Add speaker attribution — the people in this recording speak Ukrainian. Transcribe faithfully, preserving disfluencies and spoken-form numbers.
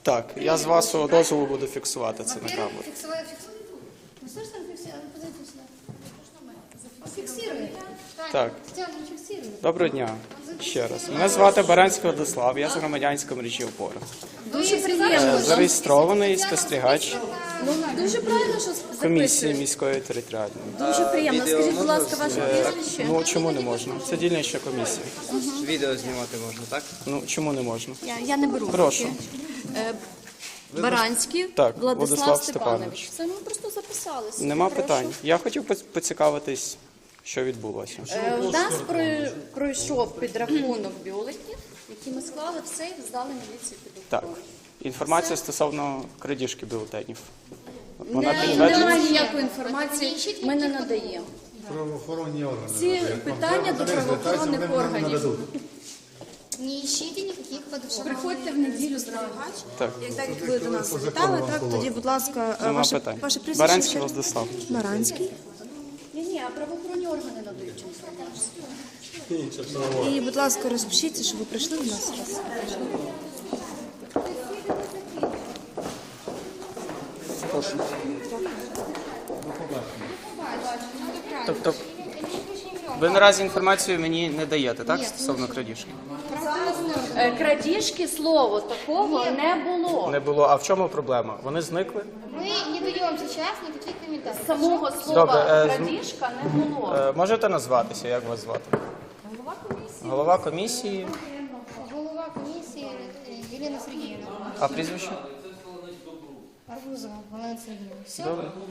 Speaker 1: Так, я з вашого дозволу буду фіксувати це на камеру.
Speaker 2: Фиксируй, фиксируй. Ну что ж там фиксирует? Подойди сюда. Фиксируй.
Speaker 1: Так.
Speaker 2: Стян, фиксируй.
Speaker 1: Доброго дня. Ще раз. Мене звати Баранський Владислав, я з громадянської мережі «Опора».
Speaker 2: Дуже приємно.
Speaker 1: Зареєстрований спостерігач
Speaker 3: Ну, дуже правильно, що
Speaker 1: комісії
Speaker 3: записує.
Speaker 1: міської територіальної.
Speaker 3: Дуже приємно. Скажіть, будь ласка, ваше
Speaker 1: Е,
Speaker 3: прізвище?
Speaker 1: Ну, чому не можна? Це дільнична комісія.
Speaker 4: Відео знімати можна, так?
Speaker 1: Ну, чому не можна?
Speaker 3: Я, я не беру.
Speaker 1: Прошу.
Speaker 3: Е, Баранський
Speaker 1: Так,
Speaker 3: Владислав,
Speaker 1: Владислав
Speaker 3: Степанович.
Speaker 1: Степанович.
Speaker 3: Це ми просто записалися.
Speaker 1: Нема
Speaker 3: Прошу.
Speaker 1: питань. Я хотів поц- поцікавитись, що відбулося.
Speaker 3: Е, У нас прой- пройшов підрахунок бюлетнів, які ми склали в сейф, здали міліції під
Speaker 1: Так.
Speaker 3: рукою.
Speaker 1: Інформація стосовно крадіжки бюлетенів. Вона
Speaker 3: Не,
Speaker 1: підтверджена?
Speaker 3: немає ніякої інформації, ми не надаємо.
Speaker 5: Правоохоронні органи.
Speaker 3: Ці
Speaker 5: надають.
Speaker 3: питання до правоохоронних
Speaker 5: Вони
Speaker 3: органів.
Speaker 5: нададуть.
Speaker 2: Не ищите никаких подушек.
Speaker 3: Приходьте в неділю зранку.
Speaker 1: Так.
Speaker 6: Як так як ви до нас завітали, так тоді, будь ласка,
Speaker 1: Нема
Speaker 6: ваше,
Speaker 1: питань.
Speaker 6: ваше прізвище.
Speaker 1: Баранський
Speaker 6: ще?
Speaker 1: Владислав.
Speaker 6: Баранський.
Speaker 3: Ні, ні, а правоохоронні органи надають інформацію.
Speaker 6: І, будь ласка, розпишіться, щоб ви прийшли до нас.
Speaker 1: Тобто, ви наразі інформацію мені не даєте, так, стосовно крадіжки?
Speaker 3: Е, Крадіжки, слово такого не було.
Speaker 1: Не було. А в чому проблема? Вони зникли?
Speaker 2: Мы не даем сейчас никаких комментариев.
Speaker 3: Самого слова
Speaker 1: Добре, е, з-
Speaker 3: крадіжка не було.
Speaker 1: Е, можете назватися, як вас звати?
Speaker 3: Голова комісії.
Speaker 1: Голова комісії,
Speaker 2: Голова комиссии э, Елена Сергеевна.
Speaker 1: а прізвище?
Speaker 2: Арбузова Валентина Сергеевна. Все?
Speaker 1: Добре.